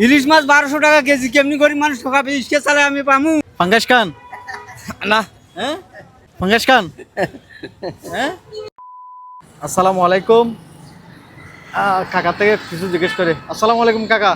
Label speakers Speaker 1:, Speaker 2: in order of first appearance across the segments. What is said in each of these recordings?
Speaker 1: ইলিশ মাছ 1200 টাকা কেজি, কেমনি করে মানুষ ঠকাবে? ইসকে চালে আমি পামু?
Speaker 2: ফাঙ্গাস খান
Speaker 1: না।
Speaker 2: হ্যাঁ, ফাঙ্গাস খান। হ্যাঁ, আসসালামু আলাইকুম। কাকা থেকে কিছু জিজ্ঞেস করে। আসসালামু আলাইকুম কাকা।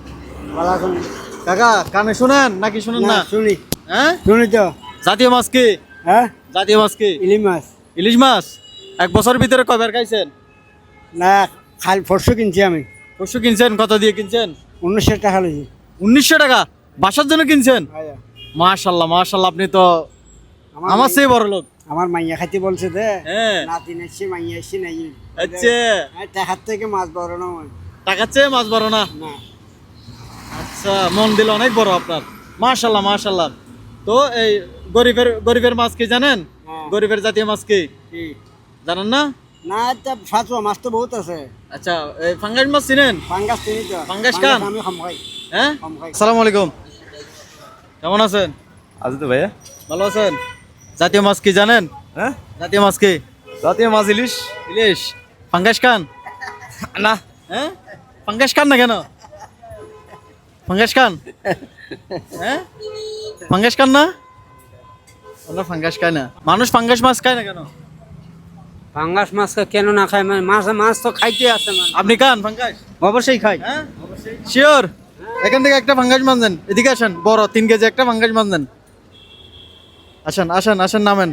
Speaker 2: কাকা কানে শুনেন নাকি শুনেন না?
Speaker 1: শুনি
Speaker 2: হ্যাঁ,
Speaker 1: শুনি তো।
Speaker 2: জাতীয় মাছ কি?
Speaker 1: হ্যাঁ,
Speaker 2: জাতীয় মাছ কি?
Speaker 1: ইলিশ মাছ।
Speaker 2: ইলিশ মাছ এক বছর ভিতরে কয়বার খাইছেন?
Speaker 1: না, খাল ফরশো কিনছি আমি।
Speaker 2: পরশু কিনছেন? কত দিয়ে কিনছেন?
Speaker 1: 1900 টাকা লইছি।
Speaker 2: 1900 টাকা বাসার জন্য কিনছেন? মাশাল্লাহ মাশাল্লাহ, আপনি তো আমার চেয়ে বড় লোক।
Speaker 1: আমার মাইয়া খাইতে বলছে দে।
Speaker 2: হ্যাঁ,
Speaker 1: নাতি নাচছি, মাইয়া এসছি নাই।
Speaker 2: আচ্ছা,
Speaker 1: টাকার থেকে মাছ বড় না হয়।
Speaker 2: টাকার চেয়ে মাছ বড় না?
Speaker 1: না।
Speaker 2: আচ্ছা, মন দিল অনেক বড় আপনার। মাশাল্লাহ মাশাল্লাহ। তো এই গরিবের মাছ কি জানেন?
Speaker 1: হ্যাঁ।
Speaker 2: গরিবের জাতীয় মাছ কি
Speaker 1: কি?
Speaker 2: জানেন না?
Speaker 1: না, ফাঁসুয়া মাছ তো বহুত আছে।
Speaker 2: আচ্ছা, এই ফাঙ্গাস মাছ চিনেন?
Speaker 1: ফাঙ্গাস চিনি তো।
Speaker 2: ফাঙ্গাস খান?
Speaker 1: আমি খাম খাই।
Speaker 2: হ্যাঁ,
Speaker 1: খাম খাই।
Speaker 2: আসসালামু আলাইকুম। কেমন আছেন?
Speaker 3: আছে তো ভাইয়া।
Speaker 2: ভালো আছেন? জাতীয় মাছ কি জানেন?
Speaker 3: হ্যাঁ,
Speaker 2: জাতীয় মাছ কি?
Speaker 3: জাতীয় মাছ ইলিশ।
Speaker 2: ইলিশ। ফাঙ্গাস খান?
Speaker 1: না।
Speaker 2: হ্যাঁ, ফাঙ্গাস খান না কেন? ফাঙ্গাস খান? হ্যাঁ, ফাঙ্গাস খান না? ওরা ফাঙ্গাস খায় না। মানুষ ফাঙ্গাস মাছ খায় না কেন?
Speaker 1: ফাঙ্গাস মাছ কেন না খায়? মাছ মাছ তো খাইতে আছে।
Speaker 2: আপনি খান ফাঙ্গাস?
Speaker 1: অবশ্যই খাই।
Speaker 2: হ্যাঁ, শিওর? এখান থেকে একটা ফাঙ্গাস মাছ দেন, এদিকে আসেন, বড় 3 কেজি একটা ফাঙ্গাস মাছ দেন। আসেন আসেন আসেন, নামেন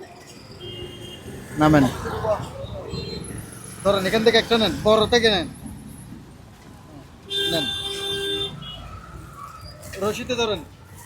Speaker 2: নামেন। ধরেন এখান থেকে একটা নেন, বড় থেকে নেন। নেন, রশিতে ধরেন।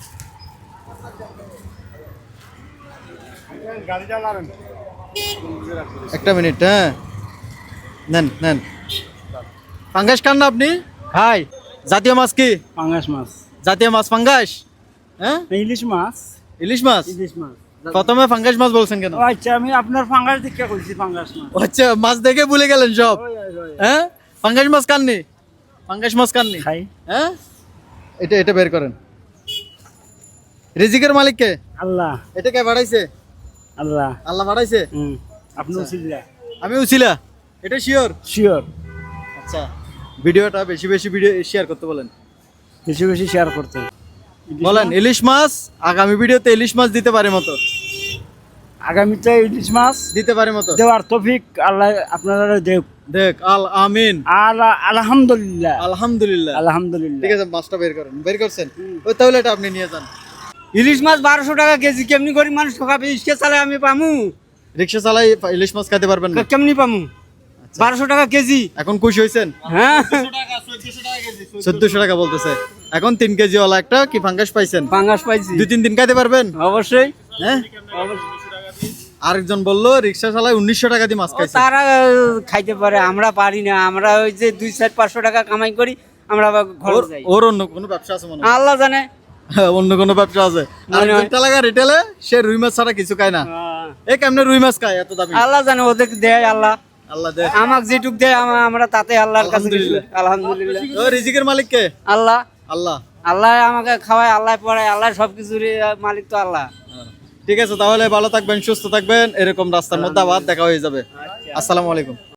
Speaker 2: একটা মিনিট, হ্যাঁ, নেন নেন। ফাঙ্গাস খান না আপনি?
Speaker 1: খাই।
Speaker 2: জাতীয় মাছ কি?
Speaker 1: ফাঙ্গাস মাছ।
Speaker 2: জাতীয় মাছ ফাঙ্গাস? হ্যাঁ,
Speaker 1: ইলিশ মাছ।
Speaker 2: ইলিশ মাছ।
Speaker 1: ইলিশ মাছ।
Speaker 2: প্রথমে ফাঙ্গাস মাছ বলছেন কেন?
Speaker 1: ও আচ্ছা, আমি আপনার ফাঙ্গাস দেখে কইছি ফাঙ্গাস মাছ।
Speaker 2: আচ্ছা, মাছ দেখে ভুলে গেলেন সব। হ্যাঁ, ফাঙ্গাস মাছ খাননি? ফাঙ্গাস মাছ খাননি?
Speaker 1: খাই।
Speaker 2: হ্যাঁ, এটা এটা বের করেন। রিজিকের মালিক কে?
Speaker 1: আল্লাহ।
Speaker 2: এটা কে বাড়াইছে?
Speaker 1: আল্লাহ।
Speaker 2: আল্লাহ বাড়াইছে?
Speaker 1: আপনি উচিলা।
Speaker 2: আমি উছিলা? এটা শিওর?
Speaker 1: শিওর।
Speaker 2: আচ্ছা, ভিডিওটা বেশি বেশি শেয়ার করতে বলেন।
Speaker 1: বেশি বেশি শেয়ার করতে
Speaker 2: বলেন ইলিশ মাছ আগামী ভিডিওতে ইলিশ মাছ দিতে পারে মতো,
Speaker 1: আগামীতে ইলিশ মাছ
Speaker 2: দিতে পারে মতো
Speaker 1: দেওয়ার তৌফিক আল্লাহ আপনারা দেখ।
Speaker 2: দেখ আমিন।
Speaker 1: আলহামদুলিল্লাহ।
Speaker 2: আলহামদুলিল্লাহ।
Speaker 1: আলহামদুলিল্লাহ।
Speaker 2: ঠিক আছে, মাছটা বের করেন। বের করছেন? ওই তাহলে এটা আপনি নিয়ে যান।
Speaker 1: ইলিশ মাছ 1200 টাকা কেজি, কেমনি করে মানুষ ঠকাবে? ইসকে চালে আমি পামু?
Speaker 2: রিক্সা চালাই ইলিশ মাছ খেতে পারবেন না?
Speaker 1: কেমনি পামু? 1200 টাকা কেজি।
Speaker 2: এখন খুশি হয়েছেন?
Speaker 1: হ্যাঁ,
Speaker 2: 1400 টাকা বলতেছে। এখন 3 কেজি ওয়ালা একটা কি ফাঙ্গাস পাইছেন?
Speaker 1: ফাঙ্গাস পাইছি।
Speaker 2: 2-3 দিন খাইতে পারবেন?
Speaker 1: অবশ্যই।
Speaker 2: হ্যাঁ, আরেকজন বললো রিক্সা চালায় 1900 টাকা দিয়ে মাছ খাইছে।
Speaker 1: তারা খাইতে পারে, আমরা পারি না। আমরা ওই যে 200-500 টাকা কামাই করি, আমরা আবার ঘরে যাই।
Speaker 2: ওর অন্য কোনো ব্যবসা আছে মনে হয়?
Speaker 1: আল্লাহ জানে।
Speaker 2: অন্য কোনো ব্যবসা আছে? আরেকজন টালাগা রিটেলে সে রুই মাছ ছাড়া কিছু খায় না। এই কেমনে রুই মাছ খায় এত দামি?
Speaker 1: আল্লাহ জানে, ওদের দেয় আল্লাহ।
Speaker 2: আল্লাহ দেয়।
Speaker 1: আমাকে যেটুক দেয় আমরা তাতে আল্লাহর কাছে আলহামদুলিল্লাহ।
Speaker 2: ও রিজিকের মালিক কে?
Speaker 1: আল্লাহ।
Speaker 2: আল্লাহ।
Speaker 1: আল্লাহ আমাকে খাওয়ায়, আল্লাহ পড়ায়, আল্লাহ সবকিছুর মালিক তো আল্লাহ।
Speaker 2: ঠিক আছে, তাহলে ভালো থাকবেন, সুস্থ থাকবেন। এরকম রাস্তার মধ্যে আবার দেখা হয়ে যাবে। আসসালামু আলাইকুম।